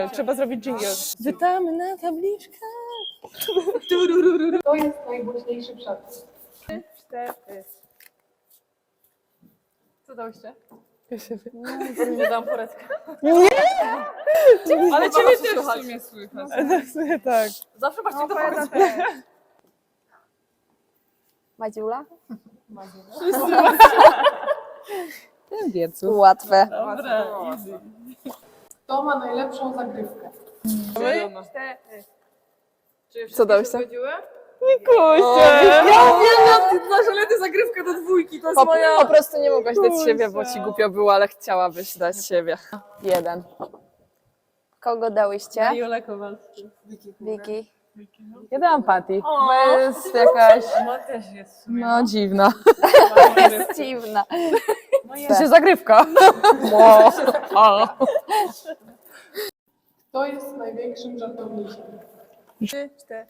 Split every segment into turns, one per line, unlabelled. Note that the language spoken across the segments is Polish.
Trzeba zrobić dżingiel. Witamy na tabliczkę.
To jest najgłośniejszy przepis.
3, 4.
Co dałyście?
Ja się
Nie dam poradkę.
Ale
ciebie też w sumie słychać.
tak.
Zawsze masz to
Opowiada
Madziula?
Wiecu.
Łatwe.
Dobra, easy.
Kto ma najlepszą zagrywkę?
3, 4.
Co
dałyście?
Kuście!
Ja wiem, znasz, ale ty zagrywkę do dwójki, to jest moja... Po prostu nie mogłaś dać siebie, bo ci głupio było, ale chciałabyś dać siebie. 1.
Kogo dałyście?
Julę Kowalską.
Wiki.
Ja dałam Patty, bo jest jakaś,
No też jest.
no dziwna.
Jest dziwna.
To się zagrywka.
Kto jest największym żartownikiem?
3, 4.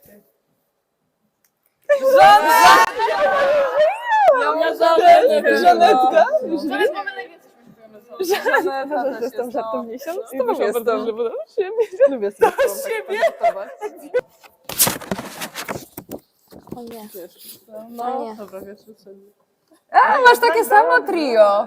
Żanetka.
Teraz mamy najwięcej.
Żaneta też
Jestem żartownikiem.
Z tobą jestem.
Dobrze, bo siebie.
Lubię sobie z siebie.
O nie.
No,
nie.
dobra, wiesz, co.
A, masz takie samo trio.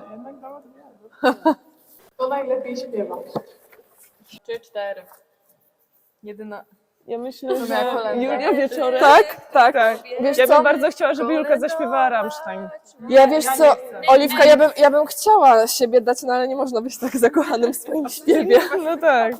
Kto najlepiej śpiewa?
3, 4.
Jedyna.
Ja myślę, że
miała kolędę.
Julia wieczorem.
Tak.
Wiesz
Wiesz
ja
co?
bym bardzo chciała, żeby Julka zaśpiewała Rammstein.
Ja wiesz co, Oliwka, ja bym chciała siebie dać, no ale nie można być tak zakochanym w swoim śpiewie.
No tak.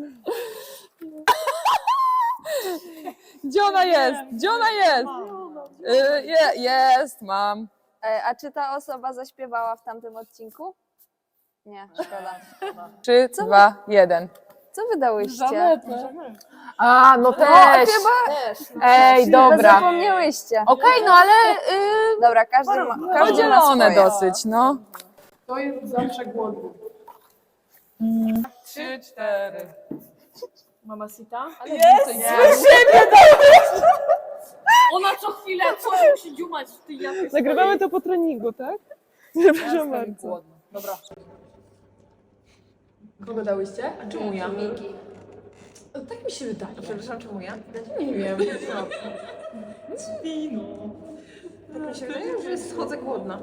Gdzie ona jest? Gdzie ona jest? Jest, mam.
A czy ta osoba zaśpiewała w tamtym odcinku? Nie, szkoda.
3, 2, 1.
Co wy dałyście?
A, no też. Ej,
Wy
dobra.
zapomniałyście.
Okej, no ale
Dobra, każdy ma
podzielone
swoje.
dosyć, no.
Kto jest zawsze głodny?
3, 4.
Mama Sita?
Ona co chwilę coś musi dziumać w tej japie.
Nagrywamy to po treningu, tak? Przepraszam bardzo.
Dobra.
Kogo dałyście? A czemu ja?
Wiki.
Tak mi się wydaje.
Przepraszam, czemu ja?
Nie wiem. Tak mi się wydaje, że schodzę głodna.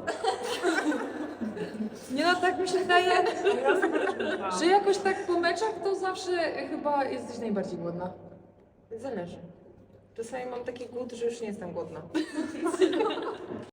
Nie no, tak mi się wydaje, że jakoś tak po meczach to zawsze chyba jesteś najbardziej głodna. Zależy. Czasami mam taki głód, że już nie jestem głodna.